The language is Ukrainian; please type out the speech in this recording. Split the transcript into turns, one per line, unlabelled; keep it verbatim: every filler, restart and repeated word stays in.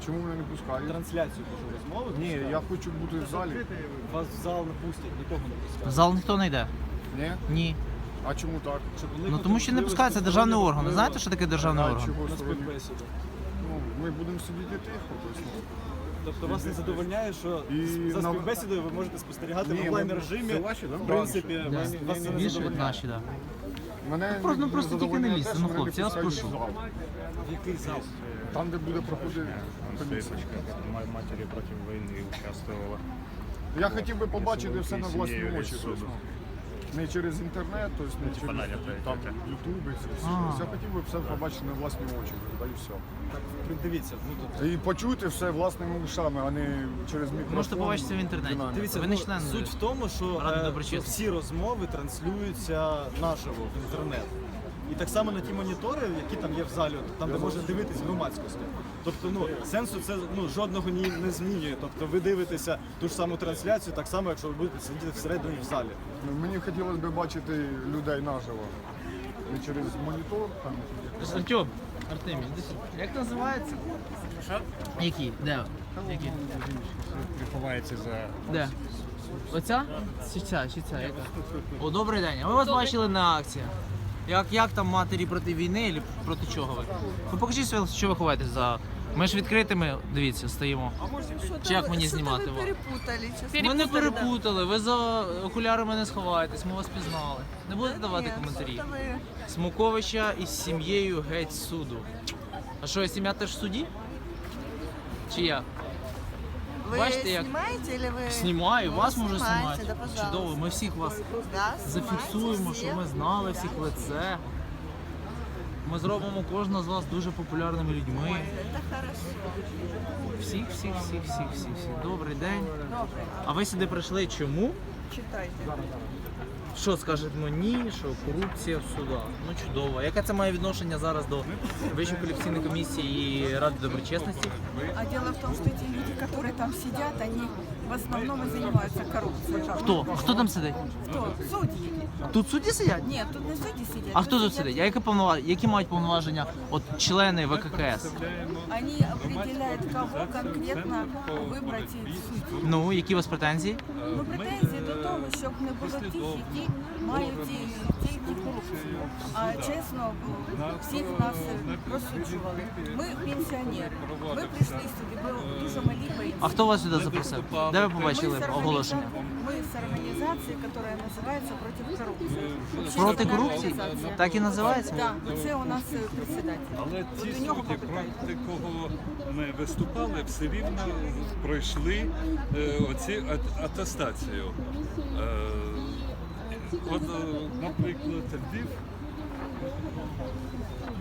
Чому мене не пускають?
Трансляцію кажу розмови.
Ні, я хочу бути в залі.
Вас в зал не пустять, нікого не
В
пускають.
зал ніхто не йде?
Ні?
Ні.
А чому так?
Щоб
Ну
уникнути
тому що не
можливості
пускається державний
стороннього
орган. Ви
впливу
знаєте, що таке державний
А
орган?
чого
на
сторони?
співбесіду.
Ну, ми будемо сидіти тихо. Тобто, ну.
Тобто вас не задовольняє, що
І
за
на-
співбесідою ви можете спостерігати
Ні,
в онлайн
ми-
режимі.
це ваші, да?
В принципі,
Да.
вас, вас це не
Більше
задовольняє.
наші, так.
Мене
просто- ну,
не
просто тільки не
задовольняє
лізьте,
те,
ну,
що мене
хлопці, я вас
не пускають
прошу.
в зал.
В який зал?
Там, де буде проходити комісія.
Матери против войны участвовала.
Я хотів би побачити все на власні
Сім'єю
очі.
суду.
Тобто, не через інтернет, тобто не через
Надя,
там,
третя.
ютуби. все, все.
А.
Тобто, Я хотів би все побачити на власні очі. Да і все.
Так, дивіться, ну тут
І почути все власними ушами, а не через мікрофон.
Можете побачити в інтернеті.
динаміку.
Дивіться,
Ви не
ну,
член
суть в тому, що
Ради
е,
доброчесності.
всі розмови транслюються наживо в інтернет. І так само на ті монітори, які там є в залі, от, там де можна дивитись громадськості. Тобто, ну сенсу це ну жодного ні не змінює. Тобто ви дивитеся ту ж саму трансляцію, так само, якщо ви будете сидіти всередині в залі.
Ну, мені хотілося б бачити людей наживо. Не через монітор. Там.
Артем, Артемій, іди сюди. Як називається?
Що?
Які? Де? Які?
Приховається за
Де? Оця? Чи ця? Чи ця? Яка? О, добрий день. А ми вас бачили на акції. Як, як там матері проти війни, або проти чого ви? Ви покажіть, своє, що ви ховаєтесь за... Ми ж відкритими, дивіться, стоїмо. Чи як мені знімати
Что-то
вас?
вы перепутали. честно.
Ми не перепутали, ви за окулярами не сховаєтесь, ми вас пізнали. Не будете давати
Нет,
коментарі?
что-то вы-
Смуковича із сім'єю геть з суду. А що, сім'я теж в суді? Чи як?
Вы
Бачите, як-
снимаете или вы...
Знімаю,
Ну,
вас можу
снимайте,
знімати.
Да, пожалуйста.
Чудово, ми всіх вас
Да,
зафіксуємо,
снимайте
щоб
всех.
ми знали всіх в лице. Ми зробимо кожного з вас дуже популярними людьми.
Это хорошо.
Всіх, всіх, всіх, всіх, всіх, всіх. Добрий день.
Добрый.
А ви сюди прийшли чому?
Читайте.
Що скажемо ні, що корупція в судах. Ну чудово. Яке це має відношення зараз до Вищої кваліфікаційної комісії і Ради доброчесності?
А дело в том, что эти люди, которые там сидят, они в основном и занимаются коррупцией.
Хто? Хто там сидить?
Кто? Судьи.
Тут судді сидять?
Нет, тут не судьи сидят.
А хто тут
сидят-
сидить? А які повноваження? Які мають повноваження от члени ВККС?
Они определяют, кого конкретно выбрать из судей.
Ну, які у вас претензії?
Ну, претензії до того, щоб не було тих, які мають і- тільки корупцію. А чесно, всіх нас розсуджували. Ми пенсіонери. Ми прийшли сюди, бо дуже малі пенсії.
А хто вас сюди запросив? Де ви
Ми
побачили
з
оголошення?
організа- Ми з організації, яка називається «Проти корупції».
Проти
Общественна
корупції?
організація.
Так і називається?
Так, це у нас е, председатель.
Але
От
ті
у нього
судді,
попитайте.
проти кого ми виступали, все рівно пройшли е, оці ат- атестацію. Е, От, е, наприклад, Львів